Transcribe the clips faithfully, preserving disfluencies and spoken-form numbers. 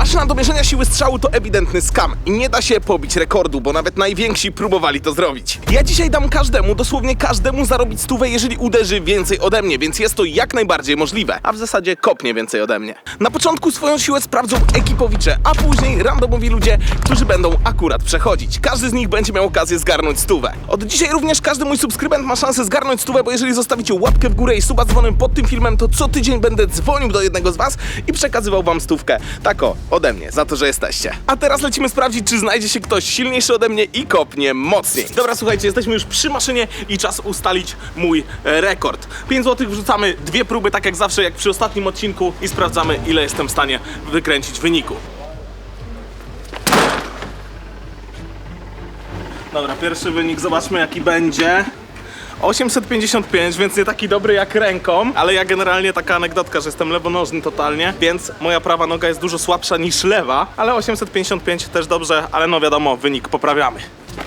Maszyna do mierzenia siły strzału to ewidentny skam i nie da się pobić rekordu, bo nawet najwięksi próbowali to zrobić. Ja dzisiaj dam każdemu, dosłownie każdemu zarobić stówę, jeżeli uderzy więcej ode mnie, więc jest to jak najbardziej możliwe, a w zasadzie kopnie więcej ode mnie. Na początku swoją siłę sprawdzą ekipowicze, a później randomowi ludzie, którzy będą akurat przechodzić. Każdy z nich będzie miał okazję zgarnąć stówę. Od dzisiaj również każdy mój subskrybent ma szansę zgarnąć stówę, bo jeżeli zostawicie łapkę w górę i suba z dzwonem pod tym filmem, to co tydzień będę dzwonił do jednego z was i przekazywał wam stówkę. Tak o, ode mnie, za to, że jesteście. A teraz lecimy sprawdzić, czy znajdzie się ktoś silniejszy ode mnie i kopnie mocniej. Dobra, słuchajcie, jesteśmy już przy maszynie i czas ustalić mój e, rekord. pięć złotych wrzucamy, dwie próby, tak jak zawsze, jak przy ostatnim odcinku i sprawdzamy, ile jestem w stanie wykręcić w wyniku. Dobra, pierwszy wynik, zobaczmy jaki będzie. osiemset pięćdziesiąt pięć, więc nie taki dobry jak ręką, ale ja generalnie taka anegdotka, że jestem lewonożny totalnie, więc moja prawa noga jest dużo słabsza niż lewa, ale osiemset pięćdziesiąt pięć też dobrze, ale no wiadomo, wynik poprawiamy.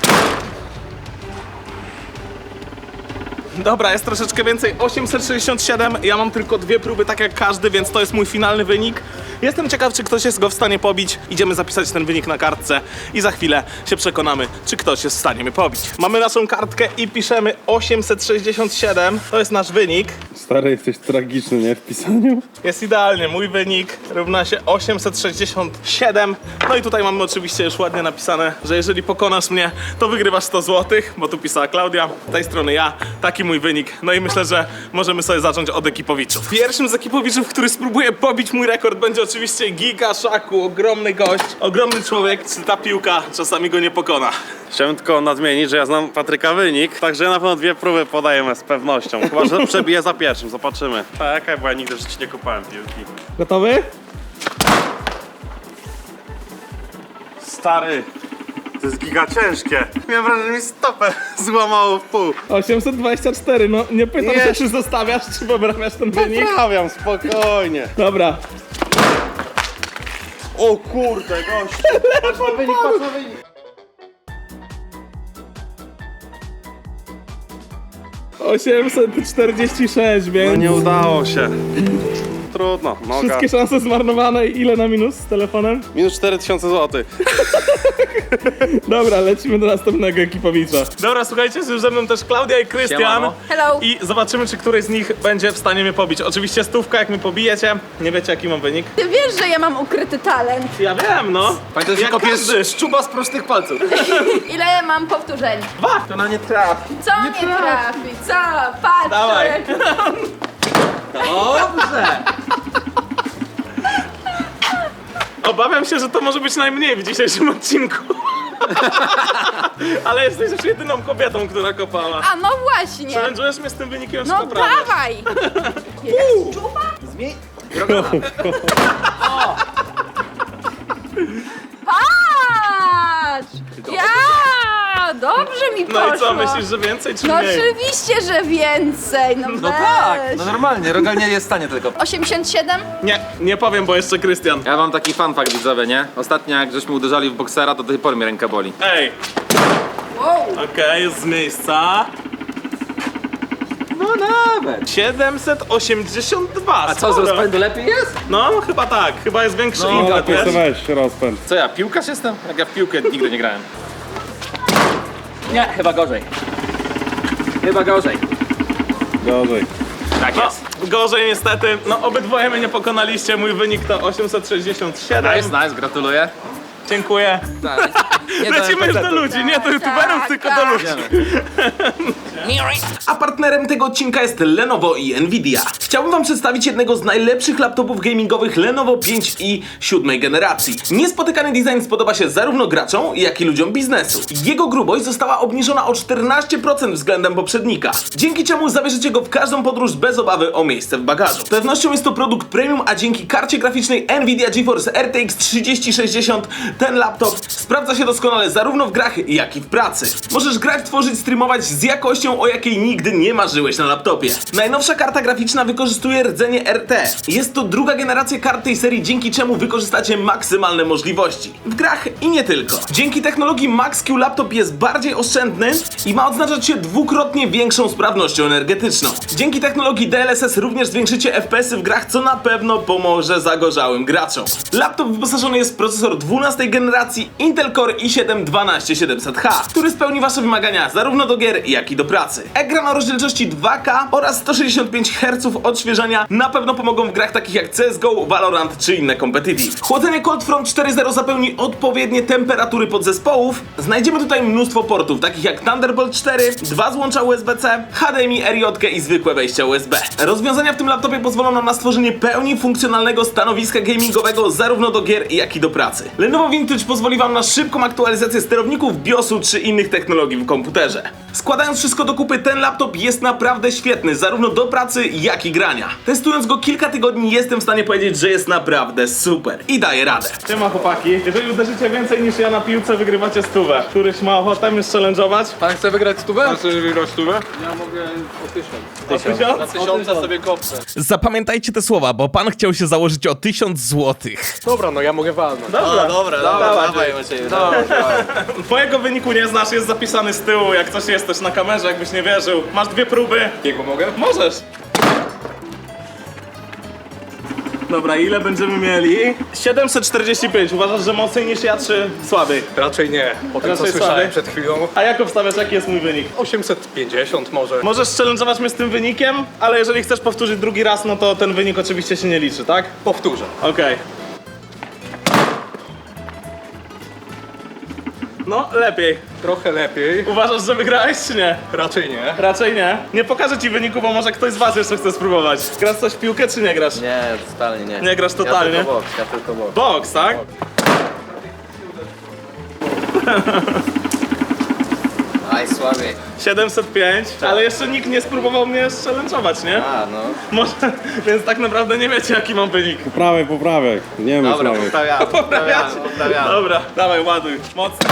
Dobra, jest troszeczkę więcej, osiemset sześćdziesiąt siedem, ja mam tylko dwie próby, tak jak każdy, więc to jest mój finalny wynik. Jestem ciekaw, czy ktoś jest go w stanie pobić. Idziemy zapisać ten wynik na kartce i za chwilę się przekonamy, czy ktoś jest w stanie mnie pobić. Mamy naszą kartkę i piszemy osiemset sześćdziesiąt siedem, to jest nasz wynik. Stary, jesteś tragiczny, nie? W pisaniu. Jest idealnie, mój wynik równa się osiemset sześćdziesiąt siedem. No i tutaj mamy oczywiście już ładnie napisane, że jeżeli pokonasz mnie, to wygrywasz sto złotych, bo tu pisała Klaudia, z tej strony ja, taki mój wynik. No i myślę, że możemy sobie zacząć od ekipowiczów. Pierwszym z ekipowiczów, który spróbuje pobić mój rekord, będzie oczywiście Giga Szaku, ogromny gość, ogromny człowiek, czy ta piłka czasami go nie pokona. Chciałem tylko nadmienić, że ja znam Patryka wynik, także ja na pewno dwie próby podaję z pewnością. Chyba, że przebiję za pierwszym, zobaczymy. Tak, bo ja nigdy w życiu nie kupałem piłki. Gotowy? Stary, to jest giga ciężkie. Miałem wrażenie, że mi stopę złamało w pół. osiemset dwadzieścia cztery, no nie pytam Nie. się, czy zostawiasz, czy poprawiasz ten wynik. Poprawiam, spokojnie. Dobra. O kurde, gościu. Patrz na wynik, patrz na wynik. osiemset czterdzieści sześć, więc... No nie udało się. Trudno, noga. Wszystkie szanse zmarnowane i ile na minus z telefonem? Minus cztery tysiące złotych. Dobra, lecimy do następnego ekipowicza. Dobra, słuchajcie, jest już ze mną też Klaudia i Krystian. Siemano. Hello. I zobaczymy, czy któryś z nich będzie w stanie mnie pobić. Oczywiście stówka, jak mnie pobijecie. Nie wiecie, jaki mam wynik? Ty wiesz, że ja mam ukryty talent. Ja wiem, no. Pamiętaj, że Jak kopiesz każdy. szczuba z prostych palców. Ile mam powtórzeń? Dwa. To na nie trafi. Co nie trafi? Co? Patrz! Dawaj. Dobrze! Obawiam się, że to może być najmniej w dzisiejszym odcinku. Ale jesteś już jedyną kobietą, która kopała. A no właśnie. Challenge'ujesz mnie z tym wynikiem, czy No poprawiasz? dawaj. Zmień. Patrz! Ja! Dobrze mi poszło. No i co, myślisz, że więcej czy No mniej? oczywiście, że więcej. No, No weź. tak, no normalnie, rogal nie jest w stanie tylko. osiemdziesiąt siedem? Nie, nie powiem, bo jeszcze Krystian. Ja mam taki fun fact, widzowie, nie? Ostatnio jak żeśmy uderzali w boksera, to do tej pory mi ręka boli. Ej, Wow. okej, jest z miejsca. No nawet. siedemset osiemdziesiąt dwa. A co, z sporo. rozpędu lepiej jest? No, chyba tak. Chyba jest większy No, impet, Lepiej wiesz? weź rozpęd. Co ja, piłkarz jestem? Jak ja w piłkę nigdy nie grałem. Nie, chyba gorzej. Chyba gorzej. Gorzej. Tak No, jest. gorzej niestety. No, obydwoje mnie nie pokonaliście. Mój wynik to osiemset sześćdziesiąt siedem. Nice, nice, gratuluję. Dziękuję. Tak. Nie Lecimy już do ludzi, nie do youtuberów, tak, tylko tak. do ludzi. Idziemy. A partnerem tego odcinka jest Lenovo i Nvidia. Chciałbym wam przedstawić jednego z najlepszych laptopów gamingowych Lenovo pięć i siódmej generacji. Niespotykany design spodoba się zarówno graczom, jak i ludziom biznesu. Jego grubość została obniżona o czternaście procent względem poprzednika, dzięki czemu zabierzecie go w każdą podróż bez obawy o miejsce w bagażu. Z pewnością jest to produkt premium, a dzięki karcie graficznej Nvidia GeForce R T X trzydzieści sześćdziesiąt ten laptop sprawdza się doskonale zarówno w grach, jak i w pracy. Możesz grać, tworzyć, streamować z jakością, o jakiej nigdy nie marzyłeś na laptopie. Najnowsza karta graficzna wykorzystuje rdzenie R T. Jest to druga generacja kart tej serii, dzięki czemu wykorzystacie maksymalne możliwości. W grach i nie tylko. Dzięki technologii Max-Q laptop jest bardziej oszczędny i ma odznaczać się dwukrotnie większą sprawnością energetyczną. Dzięki technologii D L S S również zwiększycie F P S-y w grach, co na pewno pomoże zagorzałym graczom. Laptop wyposażony jest w procesor dwunastej generacji Intel Core i siedem dwanaście siedemset H, który spełni wasze wymagania zarówno do gier, jak i do pracy. Ekran o rozdzielczości dwa K oraz sto sześćdziesiąt pięć herców odświeżania na pewno pomogą w grach takich jak C S G O, Valorant czy inne competitive. Chłodzenie Cold Front cztery zero zapełni odpowiednie temperatury podzespołów. Znajdziemy tutaj mnóstwo portów, takich jak Thunderbolt cztery, dwa złącza U S B C, H D M I, R J i zwykłe wejścia U S B. Rozwiązania w tym laptopie pozwolą nam na stworzenie pełni funkcjonalnego stanowiska gamingowego zarówno do gier, jak i do pracy. Lenovo Vintage pozwoli wam na szybką aktualizację sterowników, BIOSu czy innych technologii w komputerze. Składając wszystko do kupy, ten laptop jest naprawdę świetny, zarówno do pracy, jak i grania. Testując go kilka tygodni, jestem w stanie powiedzieć, że jest naprawdę super i daje radę. Siema chłopaki, jeżeli uderzycie więcej niż ja na piłce, wygrywacie stówę. Któryś ma ochotę mnie challenge'ować? Pan chce wygrać stówę? Chcesz wygrać stówę? Ja mogę o tysiąc. Tysiąc? Na tysiąca sobie kopnę. Zapamiętajcie te słowa, bo pan chciał się założyć o tysiąc złotych. Dobra, no ja mogę walnąć. Dobra, Dobra, dawaj, dawaj Macieju. Dobra, Twojego wyniku nie znasz, jest zapisany z tyłu, jak coś jesteś na kamerze, jakbyś nie wierzył. Masz dwie próby. Jego mogę? Możesz. Dobra, ile będziemy mieli? siedemset czterdzieści pięć. Uważasz, że mocniej niż ja, czy słabiej? Raczej nie. Po tym co Raczej słyszałem słaby. przed chwilą. A jak obstawiasz, jaki jest mój wynik? osiemset pięćdziesiąt może. Możesz challenge'ować mnie z tym wynikiem, ale jeżeli chcesz powtórzyć drugi raz, no to ten wynik oczywiście się nie liczy, tak? Powtórzę. Okej. No, lepiej. Trochę lepiej. Uważasz, że wygrałeś, czy nie? Raczej nie. Raczej nie. Nie pokażę ci wyniku, bo może ktoś z was jeszcze chce spróbować. Grasz coś w piłkę, czy nie grasz? Nie, totalnie nie. Nie grasz totalnie? Ja tylko boks, ja tylko boks. Boks, tak? Aj, słabiej. siedemset pięć, ale jeszcze nikt nie spróbował mnie challenge'ować, nie? A, no. Może, więc tak naprawdę nie wiecie, jaki mam wynik. Poprawek, poprawek. Nie ma Dobra, poprawiamy, poprawiamy, poprawiamy. Dobra, dawaj, ładuj. Mocno.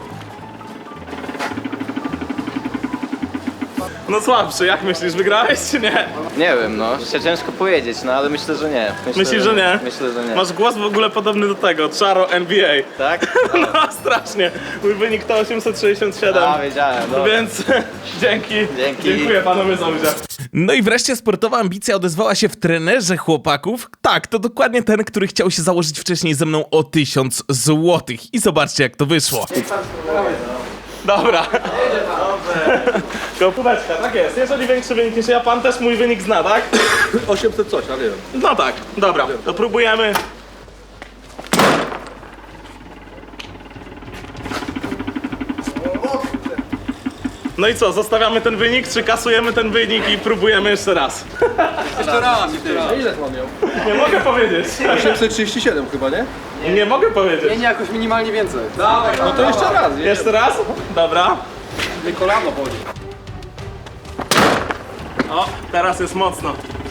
No słabszy, jak myślisz, wygrałeś czy nie? Nie wiem, no. Się ciężko powiedzieć, no ale myślę, że nie. Myślę, Myślisz, że nie? Myślę, że nie. Masz głos w ogóle podobny do tego, Charo N B A. Tak? No strasznie. Mój wynik to osiemset sześćdziesiąt siedem. A, wiedziałem, dobra. Więc dzięki. Dzięki. Dziękuję panowie za udział. No i wreszcie sportowa ambicja odezwała się w trenerze chłopaków. Tak, to dokładnie ten, który chciał się założyć wcześniej ze mną o tysiąc złotych. I zobaczcie, jak to wyszło. Dobra. Kopóweczka, tak jest. Jeżeli większy wynik niż ja, pan też mój wynik zna, tak? osiemset coś, ale nie wiem. No tak, dobra. To próbujemy. No i co, zostawiamy ten wynik, czy kasujemy ten wynik i próbujemy jeszcze raz? Jeszcze raz, jeszcze raz. A ile to mam miał? Nie mogę powiedzieć. osiemset trzydzieści siedem chyba, nie? Nie mogę powiedzieć. Nie, jakoś minimalnie więcej. Dawaj, no to jeszcze raz. Jeszcze raz? Dobra. Nie kolano boli. O, teraz jest mocno.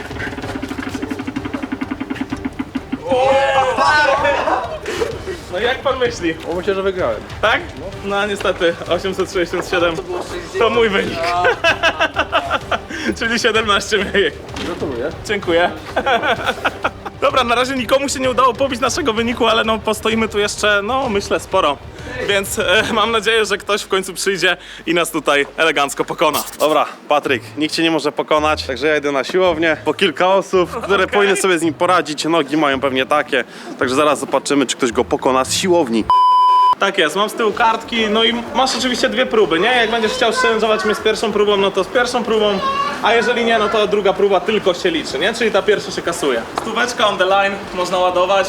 No jak pan myśli? O, myślę, że wygrałem. Tak? No niestety, osiemset sześćdziesiąt siedem to mój wynik. Czyli siedemnaście mniej. Gratuluję. Dziękuję. Dobra, na razie nikomu się nie udało pobić naszego wyniku, ale no postoimy tu jeszcze, no myślę, sporo. Więc e, mam nadzieję, że ktoś w końcu przyjdzie i nas tutaj elegancko pokona. Dobra, Patryk, nikt cię nie może pokonać, także ja idę na siłownię. Po kilka osób, które Okej. powinny sobie z nim poradzić, nogi mają pewnie takie. Także zaraz zobaczymy, czy ktoś go pokona z siłowni. Tak jest, mam z tyłu kartki, no i masz oczywiście dwie próby, nie? Jak będziesz chciał challenge'ować mnie z pierwszą próbą, no to z pierwszą próbą, a jeżeli nie, no to druga próba tylko się liczy, nie? Czyli ta pierwsza się kasuje. Stóweczka on the line, można ładować.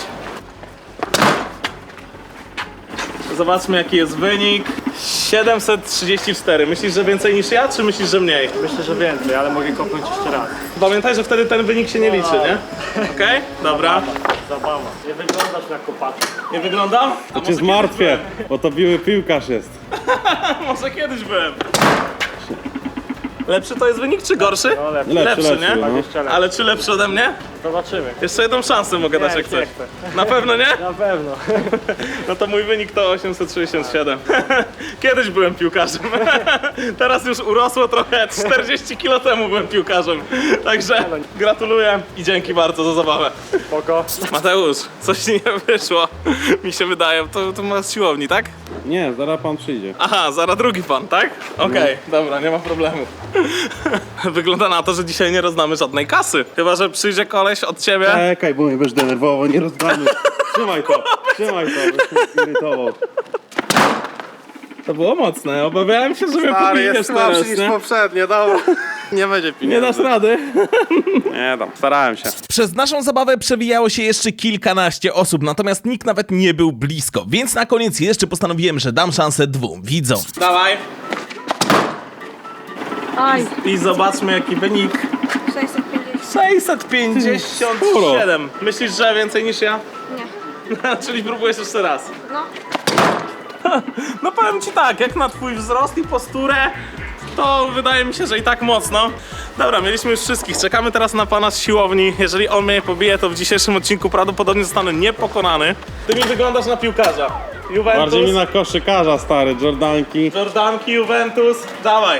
Zobaczmy, jaki jest wynik. siedemset trzydzieści cztery. Myślisz, że więcej niż ja, czy myślisz, że mniej? Myślę, że więcej, ale mogę kopnąć jeszcze raz. Pamiętaj, że wtedy ten wynik się nie liczy, nie? Okej? Dobra. Zabawa. Nie wyglądasz na kopacza. Nie wyglądam? A To cię zmartwię, bo to biły piłkarz jest. Może kiedyś byłem. Lepszy to jest wynik, czy gorszy? No lepszy. Lepszy, lepszy, nie? no. dwadzieścia lat. Ale czy lepszy ode mnie? Zobaczymy. Jeszcze jedną szansę mogę dać, Nie, jak nie chcesz. chcę. Na pewno nie? Na pewno. No to mój wynik to osiemset sześćdziesiąt siedem. Kiedyś byłem piłkarzem. Teraz już urosło trochę, czterdzieści kilo temu byłem piłkarzem. Także gratuluję i dzięki bardzo za zabawę. Spoko. Mateusz, coś ci nie wyszło, mi się wydaje. To, to masz z siłowni, tak? Nie, zaraz pan przyjdzie. Aha, zaraz drugi pan, tak? Okej, dobra, nie ma problemu. Wygląda na to, że dzisiaj nie rozdamy żadnej kasy. Chyba że przyjdzie koleś od ciebie. Czekaj, bo mnie będziesz denerwował, nie rozdamy. Trzymaj to, trzymaj to, będziesz mnie irytował. To było mocne, obawiałem się, że mnie pobijesz teraz, nie? poprzednie, dobra. Nie będzie Nie pieniędzy. dasz rady. Nie dam, starałem się. Przez naszą zabawę przewijało się jeszcze kilkanaście osób, natomiast nikt nawet nie był blisko, więc na koniec jeszcze postanowiłem, że dam szansę dwóm widzom. Dawaj. Aj, I zobaczmy jaki wynik. sześćset pięćdziesiąt. sześćset pięćdziesiąt siedem. Myślisz, że więcej niż ja? Nie. Czyli próbujesz jeszcze raz. No. No powiem ci tak, jak na twój wzrost i posturę, to wydaje mi się, że i tak mocno. Dobra, mieliśmy już wszystkich, czekamy teraz na pana z siłowni. Jeżeli on mnie pobije, to w dzisiejszym odcinku prawdopodobnie zostanę niepokonany. Ty mi wyglądasz na piłkarza. Juventus, Bardziej mi na koszykarza, stary, Jordanki. Jordanki, Juventus, dawaj.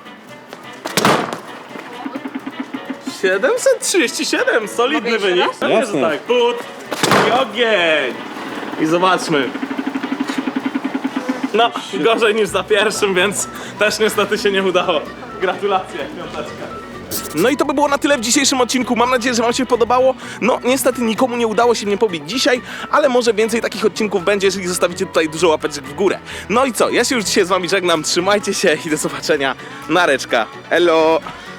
siedemset trzydzieści siedem, solidny jeszcze wynik. raz? Pewnie, że Jasne. tak. Put i ogień. I zobaczmy. No, gorzej niż za pierwszym, więc też niestety się nie udało. Gratulacje, piąteczka. No i to by było na tyle w dzisiejszym odcinku. Mam nadzieję, że wam się podobało. No niestety nikomu nie udało się mnie pobić dzisiaj, ale może więcej takich odcinków będzie, jeżeli zostawicie tutaj dużo łapeczek w górę. No i co, ja się już dzisiaj z wami żegnam, trzymajcie się i do zobaczenia. Nareczka, elo!